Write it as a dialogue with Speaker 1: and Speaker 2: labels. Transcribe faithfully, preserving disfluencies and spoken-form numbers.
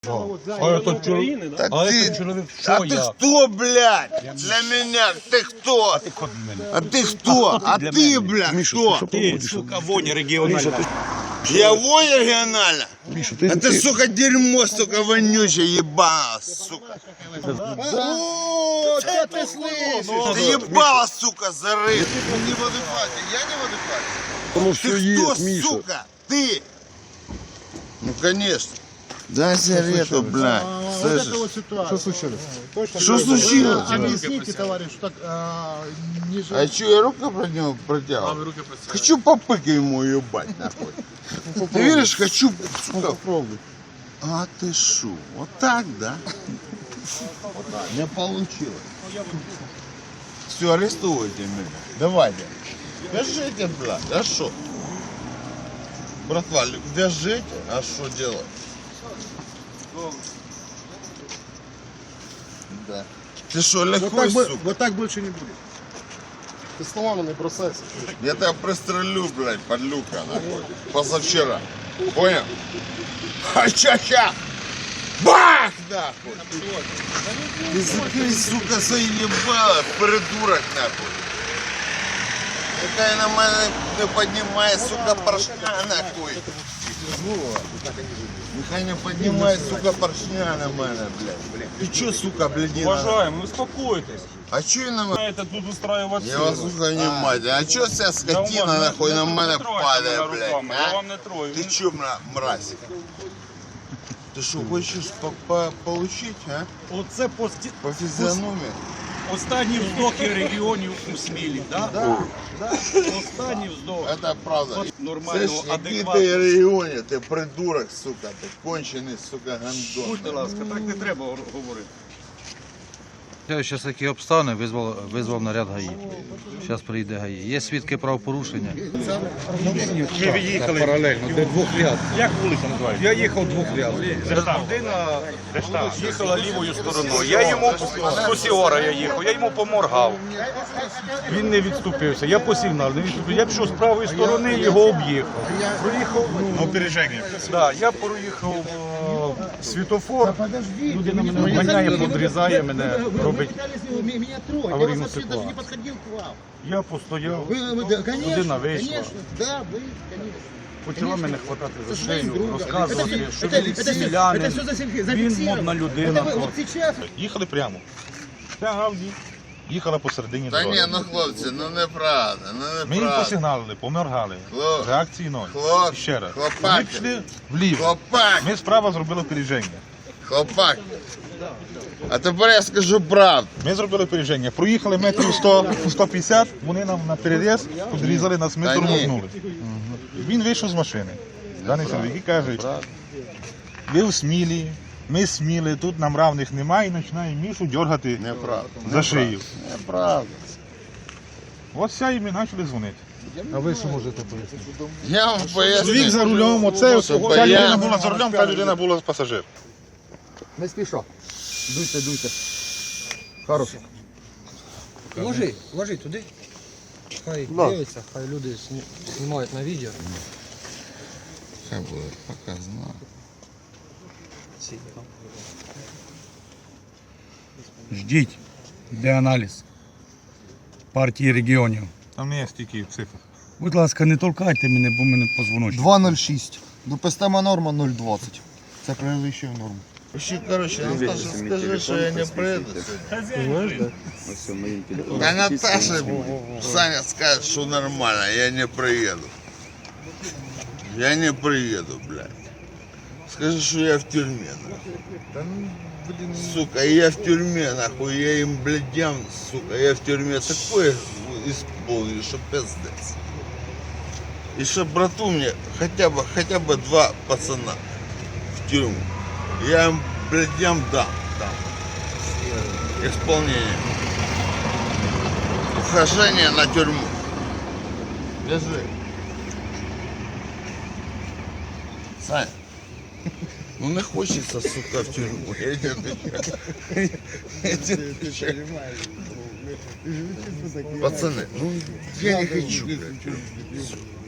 Speaker 1: А этот человек,
Speaker 2: Так
Speaker 1: а
Speaker 2: ты,
Speaker 1: этот человек,
Speaker 2: а
Speaker 1: что
Speaker 2: ты
Speaker 1: я?
Speaker 2: кто, блядь? Для меня ты кто? А ты кто? А ты, блядь, кто?
Speaker 1: Ты, сука, воня региональная.
Speaker 2: Я вой регионально?
Speaker 3: Миша, ты,
Speaker 2: А ты,
Speaker 3: ты-
Speaker 2: сука, дерьмо, сука, вонючее, ебало, сука. О, да ты слышишь? Ты ебало, сука, зарыт. Ты не в адеквате, я не в адеквате.
Speaker 3: Потому что
Speaker 2: Ты кто,
Speaker 3: есть, Миша.
Speaker 2: сука? Ты? Ну, конечно. Дай сигарету, блядь. Слышишь?
Speaker 3: Что случилось?
Speaker 2: Что случилось?
Speaker 4: Объясните, товарищ, что так а, не
Speaker 2: А что, я руку про него протягивал? Хочу попыка ему ебать, нахуй. Ты видишь, хочу, сука.
Speaker 3: Попробуй.
Speaker 2: А ты шо? Вот так, да? Не получилось. Все, арестуйте меня. Давайте. Вяжите, блядь, а шо? Братва, вяжите, а что делать? Да. Ты что,
Speaker 4: вот
Speaker 2: легкой,
Speaker 4: так, бо-
Speaker 2: сука?
Speaker 4: вот так больше не будет. Ты словами не бросайся.
Speaker 2: Я тебя пристрелю, блядь, подлюка, нахуй. Позавчера. Понял? Ха-ча-ча! Бах, нахуй! Ты закрой, сука, заебала, придурок, нахуй. Нехай на мене не піднімає, сука, поршня, нахуй. Нехай не піднімає, сука, поршня на мене, блядь. Ти чо, сука, блядина?
Speaker 1: Уважаемый, успокойтесь.
Speaker 2: А чо я на мене?
Speaker 1: Это тут устраивать
Speaker 2: Я вас слухаю внимательно. А чо ця скотина, нахуй, на мене падає, блядь?
Speaker 1: Я
Speaker 2: А?
Speaker 1: вам не трою.
Speaker 2: Ты чё, мра- мразь? Ты что, хочешь по -по получить, а?
Speaker 5: Оце пості...
Speaker 2: По физиономии?
Speaker 5: останні вздохи регіонів у Смілі, да?
Speaker 2: Да.
Speaker 5: Да? Останні вздохи.
Speaker 2: Это правда.
Speaker 5: Нормально,
Speaker 2: Слышь, який
Speaker 5: адекватно.
Speaker 2: ти регіоні, ти придурок, сука, ти кончений, сука, гандон.
Speaker 5: Будьте ласка, так не треба говорити.
Speaker 6: Зараз такі обставини, визвав, визвав наряд ГАІ. Зараз приїде ГАІ. Є свідки правопорушення.
Speaker 5: Ми від'їхали паралельно, до двох ряд. Як вулиця називається? Я їхав двох ряд. Людина їхала лівою стороною. Я йому по Сіора я їхав, я йому поморгав. Він не відступився. Я посігнав, не відступив. Я пішов з правої сторони, його об'їхав. Проїхав опереження. Да, я проїхав е, світофор. Людина мене обганяє, подрізає мене, робить аварійну ситуацію. Я постояв, людина вийшла. Почала мене хватати за шию, розказувати, що він селянин, він модна людина.
Speaker 7: Їхали прямо. Тягавні. Їхала посередині
Speaker 2: Та
Speaker 7: дороги.
Speaker 2: ні, ну хлопці, ну неправда, ну
Speaker 7: Ми їм
Speaker 2: неправда.
Speaker 7: посигналили, поморгали.
Speaker 2: Хлоп.
Speaker 7: Реакції ноль.
Speaker 2: Хлоп.
Speaker 7: Ще раз.
Speaker 2: Хлопаки.
Speaker 7: Ми пішли вліво.
Speaker 2: Хлопак,
Speaker 7: Ми справа зробили опереження.
Speaker 2: хлопак. А тепер я скажу правду.
Speaker 7: Ми зробили опереження. Проїхали метрів сто сто п'ятдесят, вони нам на переріз підрізали нас, ми
Speaker 2: Та ні.
Speaker 7: тормознули. Він вийшов з машини. Даний чоловік і каже, ви в Смілі, ми з Сміли, тут нам равних немає, і починає Мішу дергати
Speaker 2: Неправда.
Speaker 7: за шию.
Speaker 2: Неправда.
Speaker 7: Ось вся і ми почали дзвонити.
Speaker 6: А ви що можете пояснити?
Speaker 2: Я вам поясню.
Speaker 7: Чоловік за рулем, оце,
Speaker 2: Щоб
Speaker 7: ця
Speaker 2: я-
Speaker 7: людина була за рулем, та людина була пасажир.
Speaker 4: Не спіша. Дуйте, дуйте. Хорошо.
Speaker 8: Ложи, ложи туди. Хай дивиться, хай люди сні- знімають на відео.
Speaker 2: Хай буде показано.
Speaker 5: Ждіть, йде аналіз партії регіонів.
Speaker 7: Там не є стільки цифр.
Speaker 5: Будь ласка, не толкайте мене, бо мене позвоночник.
Speaker 4: два нуль шість. Допустима норма нуль двадцять. Це перевищує норму.
Speaker 2: Ще, короче, Наташа, скажи, що я не приеду сьогодні. Да Наташа, Саня скажет, что нормально, я не приеду. Я не приеду, блядь. Скажи, что я в тюрьме, нахуй. Сука, я в тюрьме, нахуй, я им, блядям, сука, я в тюрьме такое исполню, что пиздец. И что брату мне хотя бы, хотя бы два пацана в тюрьму. Я им, блядям, дам, дам. Исполнение. Ухожение на тюрьму. Держи. Сань, ну не хочется, сука, в тюрьму. Я тебе отвечаю. Я тебе отвечаю. Пацаны, ну я не хочу, блядь, в тюрьму.